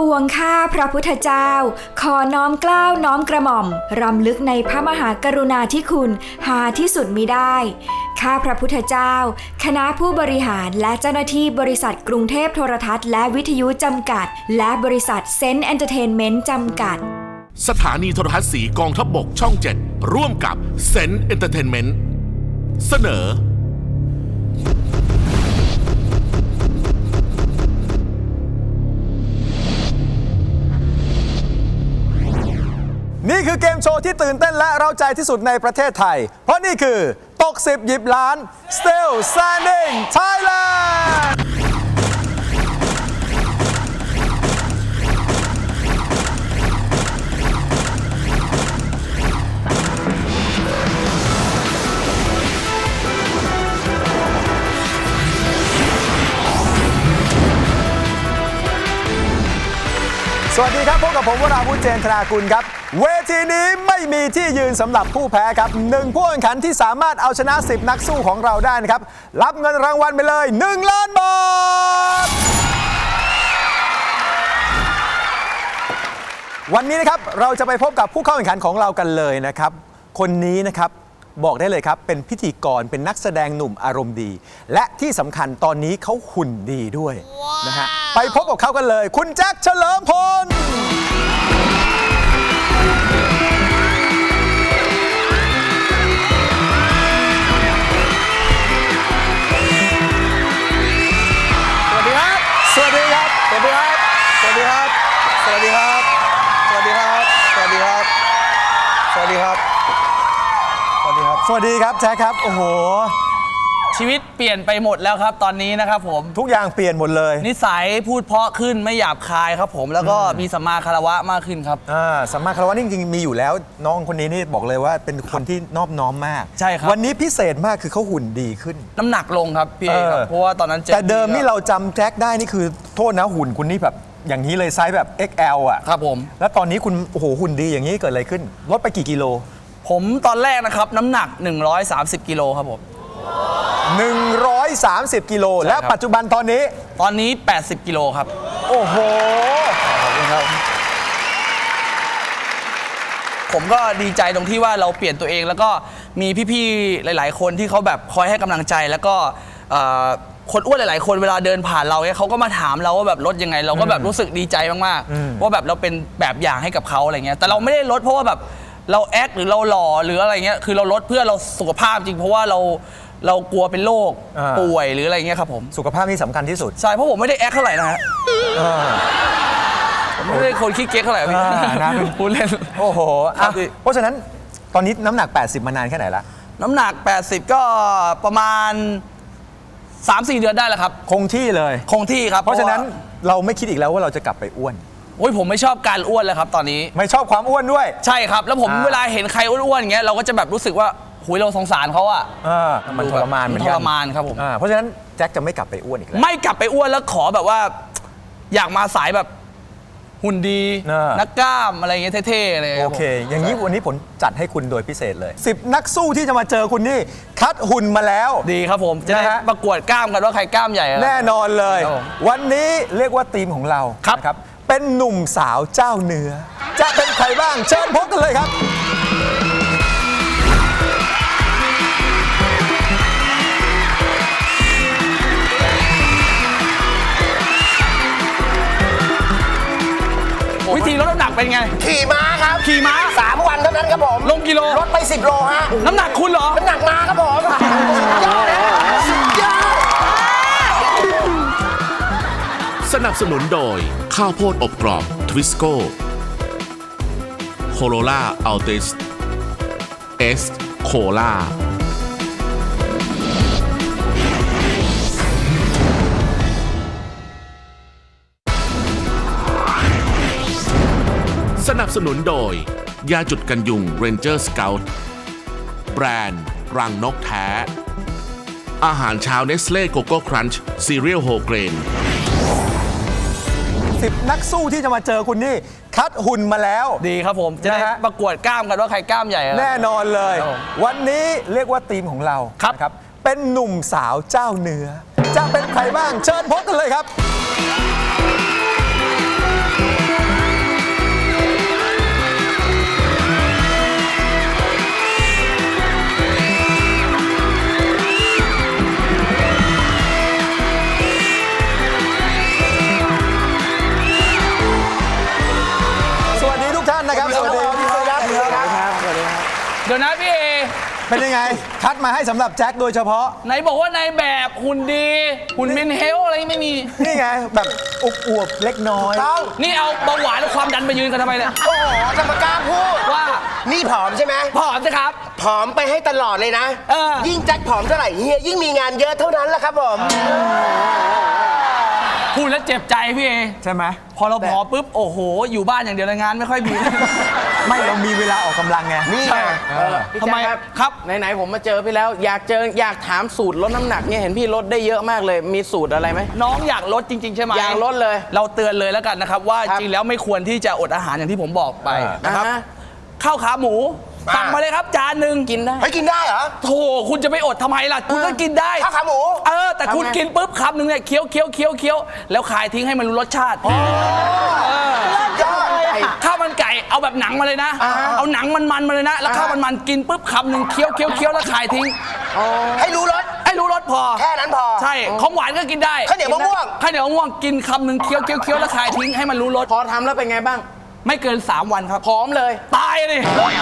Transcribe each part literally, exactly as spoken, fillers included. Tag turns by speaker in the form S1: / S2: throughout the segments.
S1: ปวงข้าพระพุทธเจ้าขอน้อมเกล้าน้อมกระหม่อมรำลึกในพระมหากรุณาธิคุณหาที่สุดมิได้ข้าพระพุทธเจ้าคณะผู้บริหารและเจ้าหน้าที่บริษัทกรุงเทพโทรทัศน์และวิทยุจำกัดและบริษัทเซนต์เอนเตอร์เทนเมนต์จำกัด
S2: สถานีโทรทัศน์สีกองทัพบกช่องเจ็ดร่วมกับเซนต์เอนเตอร์เทนเมนต์เสนอ
S3: นี่คือเกมโชว์ที่ตื่นเต้นและเร้าใจที่สุดในประเทศไทยเพราะนี่คือตกสิบหยิบล้าน Still Standing Thailandสวัสดีครับพบกับผมวราวุธเจนธนากุลครับเวทีนี้ไม่มีที่ยืนสำหรับผู้แพ้ครับหนึ่งผู้แข่งขันที่สามารถเอาชนะสิบนักสู้ของเราได้นะครับรับเงินรางวัลไปเลยหนึ่งล้านบาทวันนี้นะครับเราจะไปพบกับผู้เข้าแข่งขันของเรากันเลยนะครับคนนี้นะครับบอกได้เลยครับเป็นพิธีกรเป็นนักแสดงหนุ่มอารมณ์ดีและที่สำคัญตอนนี้เขาหุ่นดีด้วย wow. นะฮะไปพบกับเขากันเลยคุณแจ็คเฉลิมพลสวัสดีครับสวัสดีครับสวัสดีครับสวัสดีครับสวัสดีครับสวัสดีครับสวัสดีครับสวัสดีครับสวัสดีครับสวัสดีครับแจ็คครับโอ้โห
S4: ชีวิตเปลี่ยนไปหมดแล้วครับตอนนี้นะครับผม
S3: ทุกอย่างเปลี่ยนหมดเลย
S4: นิสัยพูดเพราะขึ้นไม่หยาบคายครับผมแล้วก็มีสัมมาคารวะมากขึ้นครับ
S3: อ่าสัมมาคารวะนี่จริงๆมีอยู่แล้วน้องคนนี้นี่บอกเลยว่าเป็นคนที่นอบน้อมมาก
S4: ใช่ครับ
S3: วันนี้พิเศษมากคือเขาหุ่นดีขึ้น
S4: น้ำหนักลงครับพี่เอครับเพราะว่าตอนนั้น
S3: แต่เดิมนี่เราจำแจ็คได้นี่คือโทษนะหุ่นคุณนี่แบบอย่างนี้เลยไซส์แบบ เอ็กซ์ แอล อ่ะ
S4: ครับผม
S3: แล้วตอนนี้คุณโอ้โหหุ่นดีอย่างนี้เกิดอะไรขึ้นลดไปกี่กิโล
S4: ผมตอนแรกนะครับน้ำหนักหนึ่งร้อยสามสิบกิโลครับผม
S3: หนึ่งร้อยสามสิบกิโลและปัจจุบันตอนนี้
S4: ตอนนี้แปดสิบกิโลครับ
S3: โอ้โหขอบคุณครับ
S4: ผมก็ดีใจตรงที่ว่าเราเปลี่ยนตัวเองแล้วก็มีพี่ๆหลายๆคนที่เขาแบบคอยให้กำลังใจแล้วก็คนอ้วนหลายๆคนเวลาเดินผ่านเราเนี่ยเขาก็มาถามเราว่าแบบลดยังไงเราก็แบบรู้สึกดีใจมากๆว่าแบบเราเป็นแบบอย่างให้กับเขาอะไรเงี้ยแต่เราไม่ได้ลดเพราะว่าแบบเราแอคหรือเราหล่อหรืออะไรเงี้ยคือเราลดเพื่อเราสุขภาพจริงเพราะว่าเราเรากลัวเป็นโรคป่วยหรืออะไรเงี้ยครับผม
S3: สุขภาพนี่สำคัญที่สุด
S4: ใช่เพราะผมไม่ได้แอคเท่าไหร่นะฮะผมไม่ได้คนขี้เก๊กเท่าไหร่พี่
S3: นะ
S4: พูดเล่น
S3: โอ้โหเพราะฉะนั้นตอนนี้น้ำหนักแปดสิบมานานแค่ไหนละ
S4: น้ำหนักแปดสิบก็ประมาณ สามสี่ เดือนได้แล้วครับ
S3: คงที่เลย
S4: คงที่ครับ
S3: เพราะฉะนั้นเราไม่คิดอีกแล้วว่าเราจะกลับไปอ้วน
S4: โอ้ยผมไม่ชอบการอ้วนเลยครับตอนนี้
S3: ไม่ชอบความอ้วนด้วย
S4: ใช่ครับแล้วผมเวลาเห็นใครอ้วนๆอย่างเงี้ยเราก็จะแบบรู้สึกว่าหุยเราสงสารเขาอะ
S3: มันทรมานเหมือนกัน
S4: ทรมานครับผม
S3: เพราะฉะนั้นแจ็คจะไม่กลับไปอ้วนอีกแล้ว
S4: ไม่กลับไปอ้วนแล้วขอแบบว่าอยากมาสายแบบหุ่นดีนักกล้ามอะไรเงี้ยเท่ๆเลย
S3: โอเคอย่างนี้วันนี้ผมจัดให้คุณโดยพิเศษเลยสิบนักสู้ที่จะมาเจอคุณนี่คัดหุ่นมาแล้ว
S4: ดีครับผมจะได้ประกวดกล้ามกันว่าใครกล้ามใหญ่
S3: แน่นอนเลยวันนี้เรียกว่าทีมของเรา
S4: ครับ
S3: เป็นหนุ่มสาวเจ้าเนื้อจะเป็นใครบ้างเชิญพบกันเลยครับ
S4: วิธีลดน้ำหนักเป็นไง
S5: ขี่ม้าครับ
S4: ขี่ม้า
S5: สามวันเท่านั้นครับผม
S4: ลงกิโล
S5: ลดไปสิบโลฮะ
S4: น้ำหนักคุณเหรอ
S5: น้ำหนักม้าครับผมยอดนะยอด
S2: สนับสนุนโดยข้าวโพดอบกรอบทวิสโก้โคโรล่าอัลติสเอสโคล่าสนับสนุนโดยยาจุดกันยุง Ranger Scout แบรนด์รังนกแท้อาหารเช้า Nestle Coco Crunch Cereal Whole Grain
S3: สิบนักสู้ที่จะมาเจอคุณนี่คัดหุ่นมาแล้ว
S4: ดีครับผมจะได้ประกวดกล้ามกันว่าใครกล้ามใหญ่
S3: แน่นอนเลยวันนี้เรียกว่าทีมของเรา
S4: ครับ
S3: เป็นหนุ่มสาวเจ้าเนื้อจะเป็นใครบ้างเชิญพบกันเลยครับ
S4: ดี๋ยวนะพี่เอ
S3: เป็นยังไง คัดมาให้สำหรับแจ็คโดยเฉพาะ
S4: ไหนบอกว่าในแบบหุ่นดีหุ่นเมนเฮลอะไรไม่มี
S3: นี่ไง แบบอวบๆเล็กน้อย
S5: ต้อง
S4: นี่เอาเบาหวานและความดันมายืนกันทำไมเนี่ย
S5: โอ้โหจะมากล้าพูด
S4: ว่า
S5: นี่ผอมใช่ไหม
S4: ผอมสิครับ
S5: ผอมไปให้ตลอดเลยนะ
S4: เออ
S5: ยิ่งแจ็คผอมเท่าไหร่เฮียยิ่งมีงานเยอะเท่านั้นแหละครับผม
S4: พูดแล้วเจ็บใจพี่เอ
S3: ใช่ไหม
S4: พอเราผอมปุ๊บโอ้โห อยู่บ้านอย่างเดียวเลยงานไม่ค่อยมี
S3: ไม่เรามีเวลาออกกำลังไง
S5: นี่ไง
S3: เออ
S4: ทำไมครับ
S6: ไหนๆผมมาเจอพี่แล้วอยากเจออยากถามสูตรลดน้ำหนักเนี่ยเห็นพี่ลดได้เยอะมากเลยมีสูตรอะไรไหม
S4: น้องอยากลดจริง ๆ ใช่ไหม
S6: อยากลดเลย
S4: เราเตือนเลยแล้วกันนะครับ ว่า
S6: ครับ
S4: จริงแล้วไม่ควรที่จะอดอาหารอย่างที่ผมบอกไปนะครับ
S6: อ่าฮะ
S4: ข้าวขาหมูสั่งมาเลยครับจานหนึ่ง
S6: กินได้
S5: เฮ้ยกินได้เหรอ
S4: โธ่คุณจะไปอดทำไมล่ะ คุณก็กินได้
S5: ข้าวขาหมู
S4: เออแต่คุณ
S6: ทำไง
S4: กินปุ๊บคำหนึ่งเนี่ยเคี้ยวเคี้ยวเคี้ยวเคี้ยวแล้วคายทิ้งให้มันรู้รสชาติ
S5: ยอด
S4: ข้าวมันไก่เอาแบบหนังมาเลยนะ เอาหนังมันๆมาเลยนะ แล้วข้าวมันมันๆกินปุ๊บคำหนึ่งเคี้ยวเคี้ยวเคี้ยวแล้วคายทิ้ง
S5: ให้รู้รส
S4: ให้รู้รสพอ
S5: แค่นั้นพอ
S4: ใช่ของหวานก็กินได้
S5: ข้าวเหนียวมะม่วง
S4: ข้าวเหนียวมะม่วงกินคำหนึ่งเคี้ยวเคี้ยวเคี้ยวแล้วคายทิ้งให้มันรู้รส
S6: พอทำแล้วเป็นไงบ้าง
S4: ไม่เกินสามวันครับ
S6: ผอมเลย
S4: ตายเลย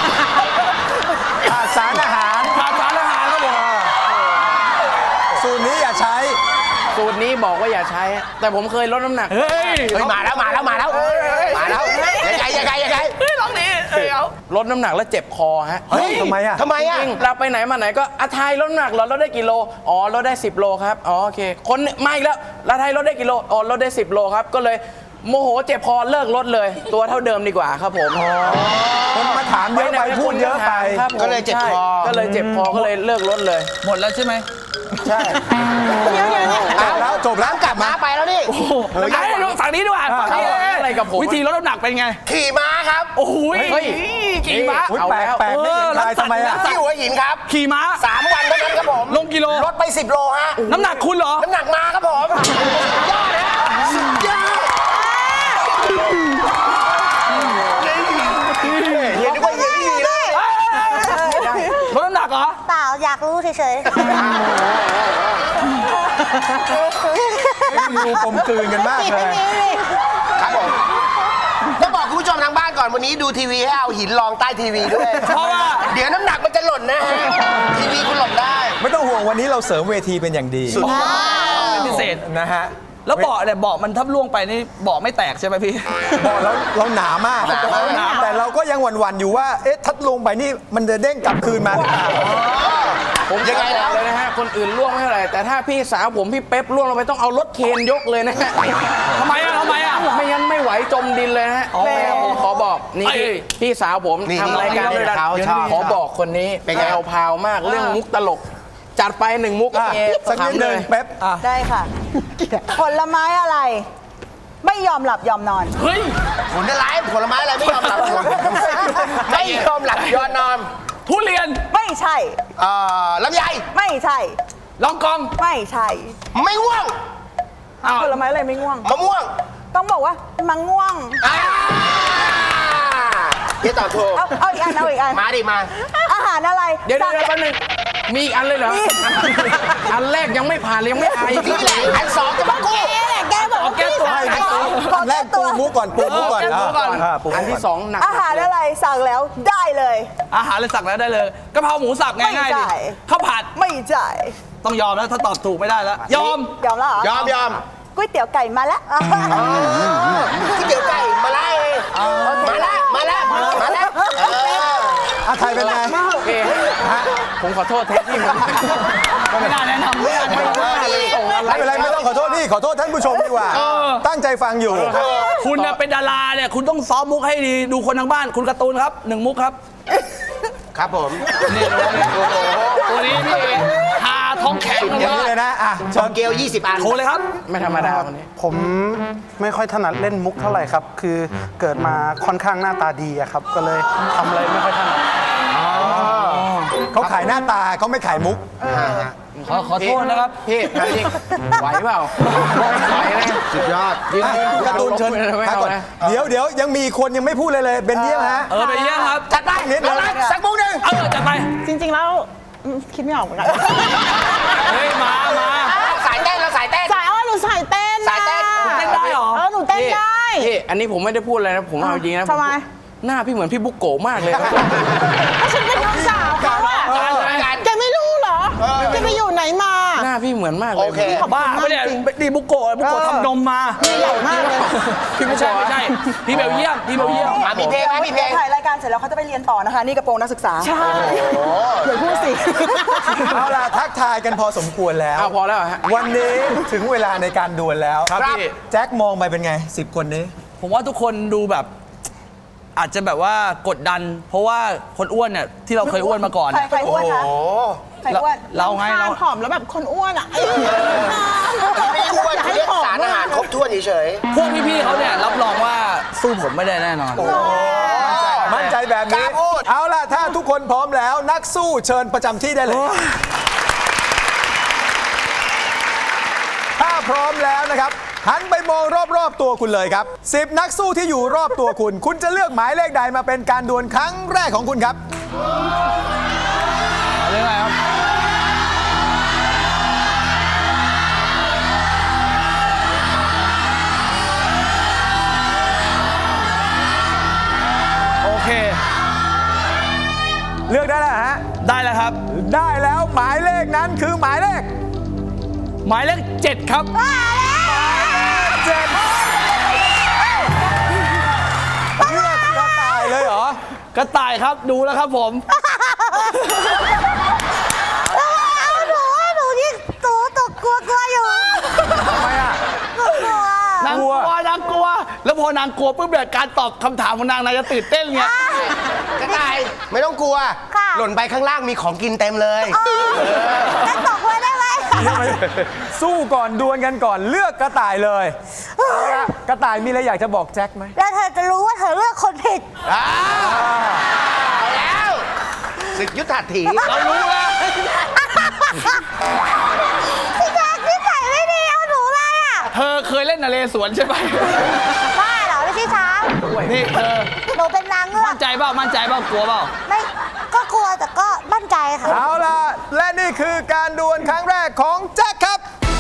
S3: ขาดสารอาหาร
S4: ขาดสารอาหารครับผม
S3: สูตรนี้อย่าใช้
S6: สูตรนี้บอกว่าอย่าใช้ แต่ผมเคยลดน้ำหนัก
S4: เฮ้ย
S5: เฮ้ยมาแล้วมาแล้วมาแล้วมาแล้วยังไงยังไงยังไง
S4: เฮ้ยลองดิเอ้ยเอา
S6: ลดน้ำหนักแล้วเจ็บคอฮะ
S3: เฮ้ยทำไมอะ
S5: ทำไมอ่ะ
S6: จริงๆเราไปไหนมาไหนก็อาไทยลดน้ำหนักเหรอลดได้กี่โลอ๋อลดได้สิบโลครับอ๋อโอเคคนมาอีกแล้วอาไทยลดได้กี่โลอ๋อลดได้สิบโลครับก็เลยโมโหเจ็บคอเลิกลดเลย ตัวเท่าเดิมดีกว่าครับผม
S3: คนมาถามเยอะไปพูดเยอะไป
S6: ครับผม
S5: ก็เลยเจ็บคอ
S6: ใช่ก็เลยเจ็บคอก็เลยเลิกลดเลย
S4: หมดแล้วใช่ไหม
S6: ใช่
S3: จบแล้วจบแล้ว
S5: น้ำกลับมาไปแล้วนี่
S4: เฮ้ยดูฝั่งนี้ดีกว่าฝั่งนี้
S6: อะไรกับผม
S4: วิธีลดน้ำหนักเป็นไง
S5: ขี่ม้าครับ
S4: โอ้โห
S6: เฮ้ย
S4: ขี่ม้า
S3: อุ๊ย
S6: เอา
S3: แปลก
S6: แล้ว
S3: แปลกไม่เห็นใครทำไมอะ
S5: ที่หัวหินครับ
S4: ขี่ม้า
S5: สามวันเท่านั้นครับผม
S4: ลงกิโล
S5: ลดไปสิบโลฮะ
S4: น้ำหนักคุณเหรอ
S5: น้ำหนักมาครับผมยอดนะสุดยอดเฮียนึกว่าเฮียไม่ดีเลย
S4: ลดน้ำหนักเหรอ
S7: เปล่าอยากรู้เฉย
S3: ดูกลมกลืนกันมาก
S7: ๆ
S3: เลย
S5: ครับผมต้องบอกคุณผู้ชมทางบ้านก่อนวันนี้ดูทีวีให้เอาหินรองใต้ทีวีด้วย
S4: เพราะว่า
S5: เดี๋ยวน้ำหนักมันจะหล่นนะฮะทีวีคุณหล่นได้
S3: ไม่ต้องห่วงวันนี้เราเสริมเวทีเป็นอย่างดี
S4: เป็นพิเศษ
S3: นะฮะ
S4: แล้วเบาะเนี่ยเบาะมันทับล่วงไปนี่เบาะไม่แตกใช่ไหมพี่
S3: บอกเราเราหนามาก
S5: หนามาก
S3: หนาแต่เราก็ยังหวั่นๆอยู่ว่า เอ๊ะทัดลงไปนี่มันจะเด้งกลับคืนมาหรือเปล่า
S6: ผม
S5: ยังไงแล้ว
S6: เลยนะฮะคนอื่นล่วงไม่เท่าไหร่แต่ถ้าพี่สาวผมพี่เป๊ปล่วงลงไปต้องเอารถเคนยกเลยนะฮะ
S4: ทำไมอ่ะทำไมอ่ะ
S6: ไม่งั้นไม่ไหวจมดินเลยนะฮะ
S4: อ๋อ
S6: แม่ผมขอบอกนี่
S4: เอ้ย
S6: พี่สาวผม
S5: นี่
S6: ทำรายการ
S5: นี่
S6: ด้วยกัน
S5: เขาชอบ
S6: ขอบอกคนนี้
S5: เป็นไง
S6: แพรวพราวมากเรื่องมุกตลก จัดไปหนึ่งมุก
S3: อ่ะ
S6: เอ
S3: สักนิด
S6: ขำ
S3: ห
S6: เล
S3: นึ่ง
S6: ย
S3: เป๊ปอ่ะ
S7: ได้ค่ะ ผลไม้อะไร ไม่ยอมหลับยอมนอน
S4: เฮ้ย
S5: ผลอะไรผลไม้อะไรไม่ยอมหลับไม่ยอมหลับยอมนอน
S4: ทุเรียน
S7: ไม่ใช่
S5: เอ่อลำไย
S7: ไม่ใช่
S4: ลองกอง
S7: ไม่ใช่
S5: ไม่ง่วง
S4: อ้าว
S7: ผลไม้อะไรไม่ง่วง
S5: มะม่วง
S7: ต้องบอกว่ามังง่วง
S5: อ่าเดี๋ยวตอบถูก
S7: เอาเอาอีกอันเอาอีกอัน
S5: มาดิมา
S7: อาหารอะไร
S6: เดี๋ยวเดี๋ยว
S7: สั่ง
S6: แป๊บนึงมีอีกอันเลยเหรอ อันแรกยังไม่ผ่านเลยยังไม่อาย
S5: นี่แหละอันสองจะมากู้
S7: แกแหละแกบอกว่า
S4: แก้ตัว
S7: พี่
S3: ให้
S7: สั่ง
S3: ให้
S7: ขอ
S3: แร
S7: แก้
S3: ก
S7: ตั
S3: ปู
S7: ว
S3: มุกก่อนปูมุกก่อน
S4: เออแก้ตัวก่อน
S3: อ่ะปูมุก
S6: อันที่สองหนัก
S7: อาหารอะไรสั่งแล้วได้เลย
S4: อาหารเลยสั่งแล้วได้เลยกะเพราหมูสับง่ายๆ
S7: ไม่
S4: ดิ
S7: จ่าย
S4: ข้าวผัด
S7: ไม่จ่าย
S4: ต้องยอมแล้วถ้าตอบถูกไม่ได้แล้ว ยอม
S7: ยอมแล้วเหรอย
S5: อมยอม
S7: ก๋วยเตี๋ยวไก่มาแล้ว
S5: ที่เดี๋ยวไก่มาไล่มาแล้วมาแล้วมาแล้วเออ
S3: อ่ะไทยเป็นไง
S6: โอเคผมขอโทษแทนที่ผม
S4: ไม่น่าแนะนำไม่น่าแนะนำ
S3: ไม่เป็นไรไม่ต้องขอโทษพี่ขอโทษท่านผู้ชมดีกว่า ตั้งใจฟังอยู่
S4: คุณน่ะเป็นดาราเนี่ยคุณต้องซ้อมมุกให้ดีดูคนทางบ้านคุณการ์ตูนครับหนึ่งมุกครับ
S5: ครับผม
S4: นี่ตัวนี้พี่หาท้องแข็ง
S3: อย่างนี้เลยนะอ่ะ
S5: ชอเกลยี่สิบอัน
S4: โทรเลยครับ
S6: ไม่ธรรมดาวันนี้
S8: ผมไม่ค่อยถนัดเล่นมุกเท่าไหร่ครับ คือเกิดมาค่อนข้างหน้าตาดีอะครับ ก็เลยทำอะไรไม่ค่อยถนัด
S3: เขาขายหน้าตาเขาไม่ขายมุก
S4: ขอขอโทษนะครับ
S6: พี่ถามจริงไหวเปล่าไหวนะ
S5: สุดยอด
S6: ยืน
S3: อ่ะการ์ตูนเชิญ
S6: ไม่
S3: พัก
S6: เอา
S3: ก่อน
S6: นะ
S3: เดี๋ยวเดี๋ยวยังมีคนยังไม่พูดเลยเลยเบนเยี่ยมฮะ
S4: เออไปเยี่ยมครับ
S5: จัดไป
S3: นิดเดียว
S5: เอาละสักมุกหนึ่ง
S4: เออจัดไป
S7: จริงๆแล้วอืมคิดไม่ออกเหมือนกัน
S4: เฮ้ยมามา
S5: สายเต้นเราสายเต้น
S7: สายอ้อหนูสายเต้น
S5: สายเต้น
S4: เต้นได้เหรอ
S7: เออหนูเต้นได้
S6: พี่อันนี้ผมไม่ได้พูดอะไรนะผมเอาจริงนะ
S7: ทำไม
S6: หน้าพี่เหมือนพี่บุ๊กโกะมากเลยครับ
S7: ก็ฉันเป็นน้องสาว
S6: การใช่ไหม
S7: แกไม่รู้เหรอแกไปอยู่ไหนมา
S6: หน้าพี่เหมือนมากเลย
S5: โอเค
S4: บ้าไม่ได้ดีบุโกะบุโกะทำนมมา
S7: ใหญ่มากเลย
S6: พี่
S4: ไม่
S6: ไม่
S4: ใช่
S6: ใช่
S4: ไม่ใช่พี่เบลเยียมพี่เบลเยียม
S5: อ่ะมีเพลงไหมมีเพลง
S7: ถ่ายรายการเสร็จแล้วเขาจะไปเรียนต่อนะคะ นี่กระโปรงนักศึกษา ใช่อย่าพูดสิ
S3: เอาล่ะทักทายกันพอสมควรแล้ว
S6: อ้าวพอแล้วฮะ
S3: วันนี้ถึงเวลาในการดวลแล้ว
S6: ครับพี่
S3: แจ็คมองไปเป็นไงสิบคนนี้
S4: ผมว่าทุกคนดูแบบ อาจจะแบบว่ากดดัน เพราะว่าคนอ้วนเนี่ยที่เราเคยอ้วนมาก่อน
S7: ใครใครอ้วนคะ
S5: โอ้
S7: ใครอ้วน
S4: เราไงเรา
S7: ผอมแล้วแบบคนอ้วนอ่ะ
S5: ไม่อ้วนเรียกสารอาหารครบถ้วนเฉย
S4: พวกพี่ๆเขาเนี่ยรับรองว่าสู้ผมไม่ได้แน่นอน
S3: มั่นใจแบบนี้
S5: กล้าพูด
S3: เอาล่ะ ถ้าทุกคนพร้อมแล้วนักสู้เชิญประจำที่ได้เลย ถ้าพร้อมแล้วนะครับ หันไปมองรอบๆตัวคุณเลยครับสิบนักสู้ที่อยู่รอบตัวคุณ คุณจะเลือกหมายเลขใดมาเป็นการดวลครั้งแรกของคุณครับ
S4: เรื่องอะไรครับ โอเค
S3: เลือกได้แล้วฮะ
S4: ได้แล้วครับ
S3: ได้แล้วหมายเลขนั้นคือหมายเลข
S4: หมายเลขเจ็ดครับ
S3: เจ็ดเลือกกระต่ายเลยเหรอ
S4: กระต่ายครับดูแล้วครับผม
S9: เอาหนูหนูที่ตูตกกลัวกลัวอยู่
S3: ทำไมอ่ะ
S9: กลัวกลัวน
S4: างกลัวนางกลัว แล้วพอนางกลัวปุ๊บเนี่ยการตอบคำถามของนางนางจะตื่นเต้นไง
S5: ๆกระต่ายไม่ต้องกลัว
S9: ค่ะ
S5: หล่นไปข้างล่างมีของกินเต็มเลย
S9: จะตกไว้ได้ไหม
S3: สู้ก่อนดวลกันก่อนเลือกกระต่ายเลยเอาละกระต่ายมีอะไรอยากจะบอกแจ็คไหม
S9: แล้วเธอจะรู้ว่าเธอเลือกคนผิด
S5: อ้าวเอาแล้วศึกยุทธหัตถี
S4: เรารู้แล้ว
S9: พี่แจ๊คนิสัยไม่ดีเอาหนูเลยอ่ะ
S4: เธอเคยเล่นนเรศวรใช่ไหม
S9: บ้าเหรอไม่ใช่ช้าง
S4: นี่เธอ
S9: หนูเป็นนางเงือ
S4: มั่
S9: ก
S4: นใจเปล่ามั่นใจเปล่ากลัวเปล่า
S9: ไม่ก็กลัวแต่ก็มั่นใจค่ะ
S3: เอาล่ะ และนี่คือการดวลครั้งแรกของแจ็คครับ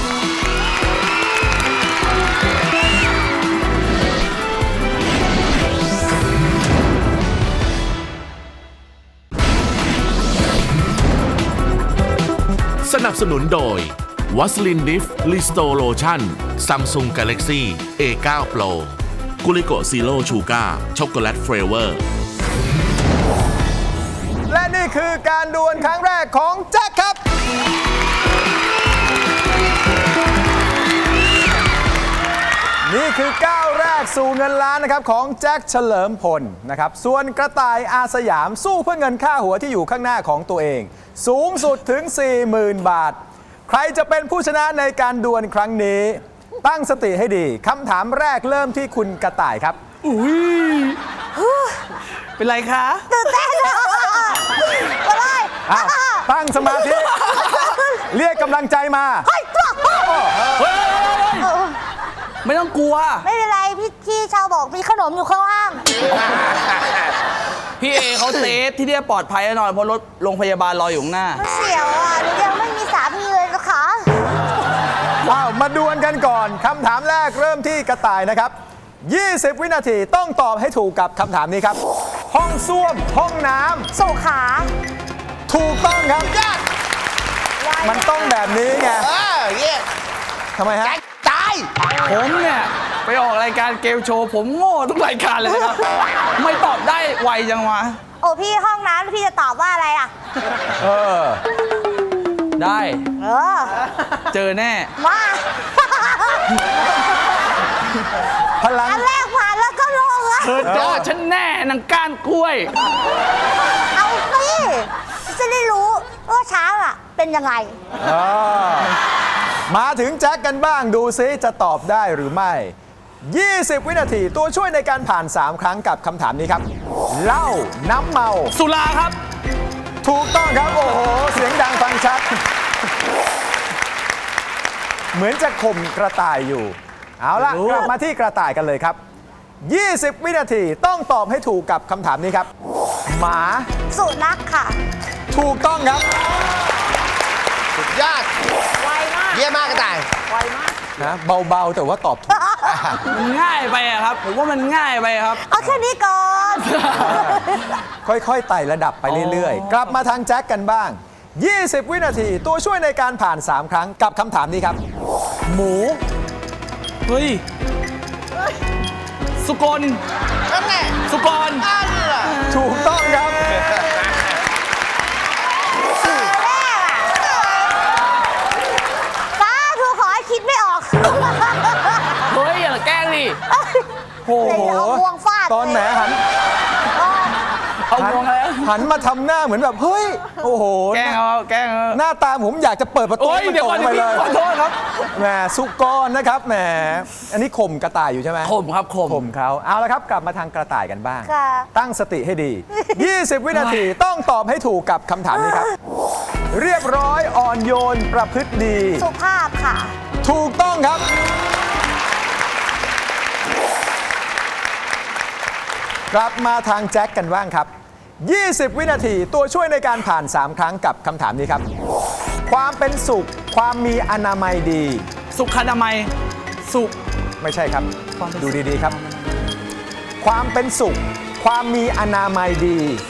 S2: สนับสนุนโดยวัสลินดิฟลิสโตโลชั่นซัมซุงกาแล็กซี่ เอ ไนน์ Pro กุลิโกซีโร่ชูการ์ช็อกโกแลตเฟรเวอร์
S3: และนี่คือการดวลครั้งแรกของแจ็คครับ นี่คือก้าวแรกสู่เงินล้านนะครับของแจ็คเฉลิมพลนะครับส่วนกระต่ายอาสยามสู้เพื่อเงินค่าหัวที่อยู่ข้างหน้าของตัวเอง สูงสุดถึง สี่หมื่น บาท ใครจะเป็นผู้ชนะในการดวลครั้งนี้ ตั้งสติให้ดีคำถามแรกเริ่มที่คุณกระต่ายครับ
S4: เป็นไรคะ
S9: ตื่นเต้นเลยมาเลย
S3: อ้าวตั้งสมาธิ เรียกกำลังใจมา
S9: เฮ้ยตัว
S4: เฮ้ยไม่ต้องกลัว
S9: ไม่เป็นไรพี่พี่ชาวบอกมีขนมอยู่ข้างล่าง
S4: พี่เอเขาเซฟที่เนี่ยปลอดภัยแน่นอนเพราะรถโรงพยาบาลรออยู่ข้างหน้า
S9: มันเสียวอ่ะหนูยังไม่มีสามีเลยนะคะ
S3: ว้าว มาดวลกันก่อน คำถามแรกเริ่มที่กระต่ายนะครับ ยี่สิบ วินาทีต้องตอบให้ถูกกับคำถามนี้ครับ ห้องส้วม ห้องน้
S9: สุขา
S3: ำ ถูกต้องครับ มันต้องแบบนี้ไง
S5: เออเยี่ย
S3: ทำไมฮะ
S5: แจ็คตาย
S4: ผมเนี่ยไปออกรายการเกมโชว์ผมโง่ทุกรายการเลยนะครับ ไม่ตอบได้ไวจังวะ
S9: โอ้พี่ห้องน้ำพี่จะตอบว่าอะไรอ่ะ
S3: เออ
S4: ได้
S9: เออ
S4: เจอแน่
S9: มา
S3: พลัง
S9: อันแรกผ่านแล้วก็ลงอ่ะ
S4: เธอเจอฉันแน่นางก้านกล้วย
S9: เอาสิจะได้รู้ว่าช้างอ่ะ เป็นยังไง
S3: เออมาถึงแจ็คกันบ้างดูซิจะตอบได้หรือไม่ ยี่สิบ วินาทีตัวช่วยในการผ่าน สาม ครั้งกับคำถามนี้ครับเหล้าน้ำเมา
S4: สุราครับ
S3: ถูกต้องครับ โอ้โห เสียงดังฟังชัด เหมือนจะข่มกระต่ายอยู่ เอาล่ะ กลับมาที่กระต่ายกันเลยครับ ยี่สิบ วินาทีต้องตอบให้ถูกกับคำถามนี้ครับ หมา
S9: สุนัขค่ะ
S3: ถูกต้องครับ
S5: สุดยอด
S9: ไวมาก
S5: เยี่ยมมากกระต่าย
S9: ไวมาก
S3: นะเบาๆแต่ว่าตอบถูก
S4: มันง่ายไปอะครับ ผมว่ามันง่ายไปครับ
S9: เอาแค่นี้ก่อน
S3: ค่อยๆไต่ระดับไปเรื่อยๆ กลับมาทางแจ็คกันบ้าง ยี่สิบ วินาที ตัวช่วยในการผ่าน สาม ครั้งกับคำถามนี้ครับ หมู
S4: เฮ้ย สุกล
S5: นั่นแหละ
S4: สุกร
S5: นั่นแหละ
S3: ถูกต้องครับ
S9: ป้าทูขอให้คิดไม่ออก
S4: เฮ้ย อย่าแกล้งดิ
S3: โอ้โห
S9: เดี๋ยวเอางวงฟาด
S3: ตอนแหมหัน
S4: เอางวงแล้ว
S3: หันมาทำหน้าเหมือนแบบ เฮ้ย โอ้โห
S4: แกล้งเอาแกล้งเอา
S3: หน้าตาผมอยากจะเปิดประตู
S4: โอ้ย
S3: ให้มัน
S4: เดี๋ยว
S3: ต
S4: ก่อก น
S3: ไป
S4: เดี๋ยว
S3: เลย
S4: พี่ขอโทษครับ
S3: แหมสุกรนะครับแหมอันนี้ข่มกระต่ายอยู่ใช่ไหม
S4: ข่มครับข่ม
S3: ข่มเขาเอาละครับกลับมาทางกระต่ายกันบ้าง
S9: ค่ะ
S3: ตั้งสติให้ดี ยี่สิบ วินาทีต้องตอบให้ถูกกับคำถามนี้ครับ เรียบร้อยอ่อนโยนประพฤติดี
S9: สุภาพค่ะ
S3: ถูกต้องครับ กลับมาทางแจ็คกันบ้างครับ ยี่สิบ วินาทีตัวช่วยในการผ่าน สาม ครั้งกับคำถามนี้ครับ ความเป็นสุข ความมีอนามัยดี
S4: สุขอนามัย สุข
S3: ไม่ใช่ครับ ดูดีๆครับ ความเป็นสุข ความมีอนามัยดี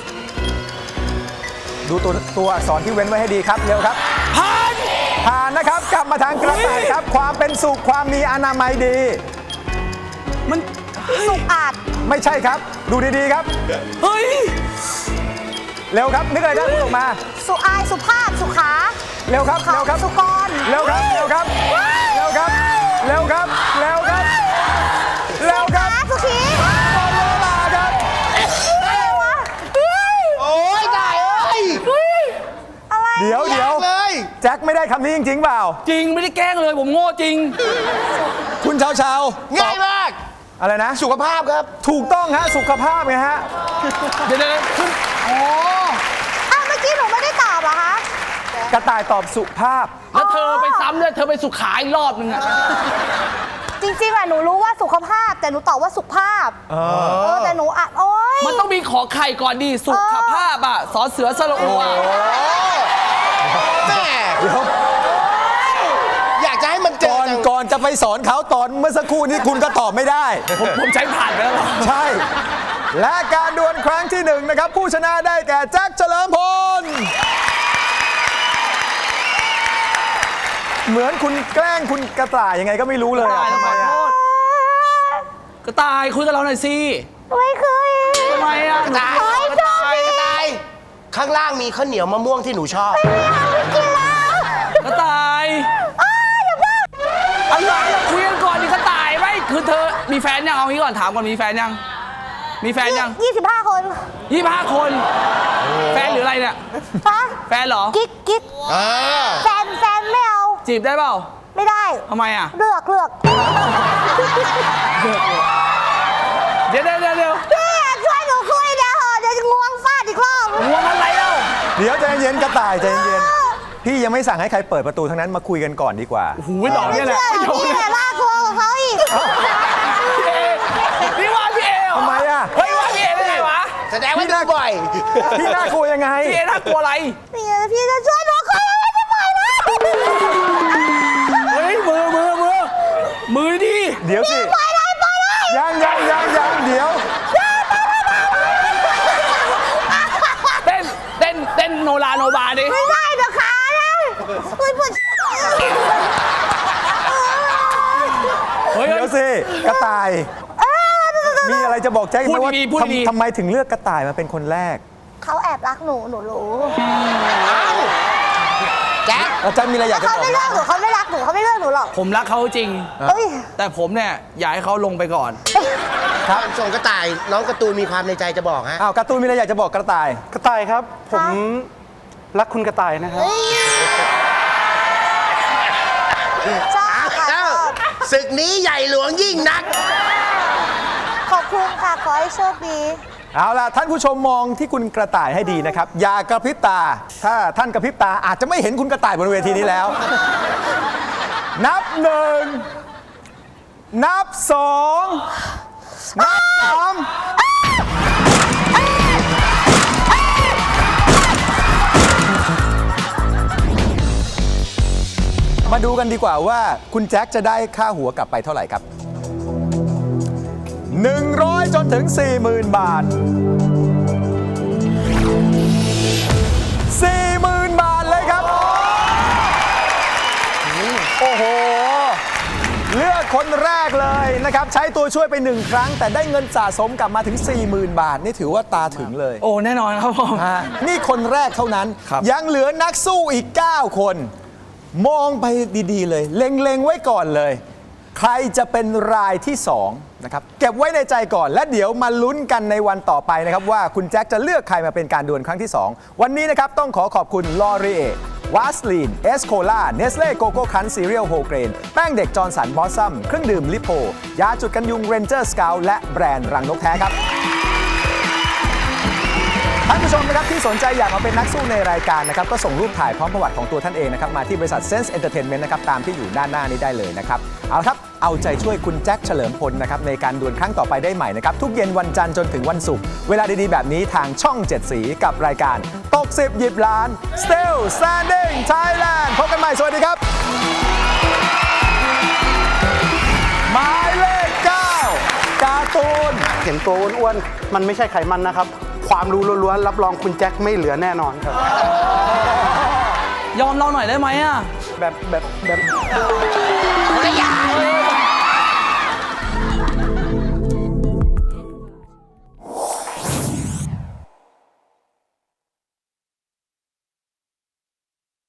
S3: ดูตัวตัวอักษรที่เว้นไว้ให้ดีครับ เร็วครับ
S4: ผ่าน
S3: ผ่านนะครับ กลับมาทางกระต่ายครับ ความเป็นสุข ความมีอนามัยดี
S4: มัน
S9: สุขอาจ
S3: ไม่ใช่ครับ ดูดีๆครับ
S4: เฮ้ย
S3: เร็วครับ นึกอะไรได้พูดออกมา
S9: สุอาย สุภาพ สุขา
S3: เร็วครับ
S9: ขา
S3: เร็วครับ
S9: สุกร
S3: เร็วครับ เร็วครับ เร็วครับ เร็วครับ เร็วครับ เร็วครับ
S9: ขาสุขี
S3: หมดเวลาครับ
S9: อะไรวะเฮ้ย
S5: โอ้ยได้เอ้ย
S9: อะไร
S3: เดี๋ยวเดี๋ยว
S5: เลย
S3: แจ็คไม่ได้คำนี้จริงๆเปล่า
S4: จริงไม่ได้แกล้งเลยผมโง่จริง
S3: คุณเชาเชา
S5: ง่ายมาก
S3: อะไรนะ
S5: สุขภาพครับ
S3: ถูกต้องฮะ สุขภาพไงฮะ
S4: เดี๋ยวเดี๋ยวขึ้นอ๋อ
S9: อ้าวเมื่อกี้หนูไม่ได้ตอบเหรอคะ
S3: กระต่ายตอบสุภาพ
S4: แล้วเธอไปซ้ำด้วยเธอไปสุขาอีกรอบนึงอะ
S9: จริงๆอะหนูรู้ว่าสุขภาพ แต่หนูตอบว่าสุภาพ เออ แต่หนูอ่ะโอ๊ย
S4: มันต้องมีขอไข่ก่อนดีสุขภาพอะสอเสือสระอูอะ
S5: แม่
S3: เดี๋ยว
S5: อยากจะให้มันเจ
S3: ก่
S5: อ
S3: อน
S5: จัง
S3: ก่อนจะไปสอนเขาตอนเมื่อสักครู่นี้คุณก็ตอบไม่ได้
S4: ผมผมใช้ผ่านไปแล้วเหรอ
S3: ใช่ และการดวลครั้งที่หนึ่งนะครับ ผู้ชนะได้แก่แจ็คเฉลิมพล เหมือนคุณแกล้งคุณกระต่ายยังไงก็ไม่รู้เลย
S4: กระ
S3: อะ
S4: ต่าย
S3: ทำไม
S4: ขอ
S3: อะ
S4: โทษกระต่ายคุยกับเราหน่อยสิ
S9: ไม่เคย
S4: ทำไมอะ
S5: กระต่าย
S9: โอ๊ย
S5: กระต่ายกระต่ายข้างล่างมีข้าวเหนียวมะม่วงที่หนูชอบ
S9: กินแล้ว
S4: กระต่ายอะไรอะคุยกันก่อนดิกระต่ายไม่คือเธอมีแฟนยังเอางี้ก่อนถามก่อนมีแฟนยัง มีแฟนยัง
S9: ยี่สิบห้าคน
S4: ยี่ห้าคน แฟนหรืออะไรเนี่ย
S9: ฮะ
S4: แฟนเหรอ
S9: กิ๊กกิ๊ก
S5: อ่า
S9: แฟนแฟนไม่เอา
S4: จีบได้เปล่า
S9: ไม่ได้
S4: ทำไมอ่ะ
S9: เลือกเลือก
S4: เดี๋ยวเดี๋ยวเดี๋ยวเดี๋ยว
S9: พี่ช่วยหนูคุยเดี๋ยวเหอะเดี๋ยวจะงวงฟาดอีกรอบ
S4: หัวมันอะไรเล่า
S3: เดี๋ยวใจเย็นกระต่ายใจเย็นพี่ยังไม่สั่งให้ใครเปิดประตูทั้งนั้นมาคุยกันก่อนดีกว่า
S4: หูยดอกเนี่ยแหละ
S9: เชื่อพี่แต่น่ากลัวกว่าเขาอีก
S4: พี่เอนี่ว่าพี่เอเหรอ
S3: ทำไมอะ
S4: เฮ้ยว่าพี่เอได้ไงวะ
S5: แสดงว่าดูบ่อย
S3: พี่น่ากลัวยังไง
S4: พี่เอน่ากลัวอะไร
S9: พี่พี่จะช่วยหนูคุยอะไรไม่ปล่อยนะ
S4: เฮ้ยมือมือมือมือดิ
S3: เดี๋ยวสิ
S9: ปล่อยเลยปล่อยเลย
S3: ยังยังยังยังเดี๋ยว
S4: เต้นเต้นเต้นโนราโนบาดิ
S9: ไม่ได้เดี๋ยวขานะคุยพูด
S4: เฮ้ย
S3: เดี๋ยวสิกระต่าย มีอะไรจะบอกแจ็คไหมว่า
S4: พูดดีๆพูดดีๆ
S3: ทำทำไมถึงเลือกกระต่ายมาเป็นคนแรก
S9: เขาแอบรักหนูหนูรู้
S5: ๆแจ็ค
S3: แล้วแจ็คมีอะไรอยากจะ
S9: เขา
S3: บอก
S9: ไม่
S3: ไหม
S9: เลือกหนูเขาไม่รักหนูเขาไม่เลือกหนูหรอก
S4: ผมรักเขาจริง
S9: เอ้ย
S4: แต่ผมเนี่ยอยากให้เขาลงไปก่อน
S5: ครับส่งกระต่ายน้องการ์ตูนมีความในใจจะบอกฮะ
S3: อ้าวการ์ตูนมีอะไรอยากจะบอกกระต่าย
S8: กระต่ายครับ ผมรักคุณกระต่ายนะครับ
S9: ชอบค่ะช
S5: เอ้า
S9: อบ
S5: ศึกนี้ใหญ่หลวงยิ่งนัก
S9: ขอบคุณค่ะ ขอให้โชคดี
S3: เอาล่ะท่านผู้ชมมองที่คุณกระต่ายให้ดีนะครับ อย่ากระพริบตา ถ้าท่านกระพริบตาอาจจะไม่เห็นคุณกระต่ายบนเวทีนี้แล้ว นับหนึ่งนับสองนับสามมาดูดูกันดีกว่าว่าคุณแจ็คจะได้ค่าหัวกลับไปเท่าไหร่ครับ หนึ่งร้อย จนถึง สี่หมื่น บาท สี่หมื่น บาทเลยครับ โอ้โห เลือกคนแรกเลยนะครับ ใช้ตัวช่วยไปหนึ่งครั้ง แต่ได้เงินสะสมกลับมาถึง สี่หมื่น บาท นี่ถือว่าตาถึงเลย
S4: โอ้แน่นอนครับผม
S3: ฮะนี่คนแรกเท่านั้น
S4: ครับ
S3: ยังเหลือนักสู้อีก เก้า คน มองไปดีๆเลย เล็งๆไว้ก่อนเลย ใครจะเป็นรายที่สองนะครับ เก็บไว้ในใจก่อน และเดี๋ยวมาลุ้นกันในวันต่อไปนะครับว่าคุณแจ็คจะเลือกใครมาเป็นการดวลครั้งที่สองวันนี้นะครับต้องขอขอบคุณลอรีเอวาสลีนเอสโคล่าเนสเล่โกโก้คันซีเรียลโฮเกรนแป้งเด็กจอร์นสันบอสซัมเครื่องดื่มลิโพยาจุดกันยุงเรนเจอร์สเกลและแบรนด์รังนกแท้ครับท่านผู้ชมนะครับที่สนใจอยากมาเป็นนักสู้ในรายการนะครับก็ส่งรูปถ่ายพร้อมประวัติของตัวท่านเองนะครับมาที่บริษัท Sense Entertainment นะครับตามที่อยู่ด้านหน้านี้ได้เลยนะครับเอาละครับเอาใจช่วยคุณแจ็คเฉลิมพลนะครับในการดวลครั้งต่อไปได้ใหม่นะครับทุกเย็นวันจันทร์จนถึงวันศุกร์เวลาดีๆแบบนี้ทางช่องเจ็ดสีกับรายการตกสิบหยิบล้าน Still Standing Thailand พบกันใหม่สวัสดีครับหมายเลขเก้าการ์ตูน
S8: เห็นตัวอ้วนๆมันไม่ใช่ไขมันนะครับความรู้ล้วนๆรับรองคุณแจ็คไม่เหลือแน่นอนครับ
S4: ยอมเราหน่อยได้ไหมอ่ะ
S8: แบบแบบแบบ
S5: คนละอย่าง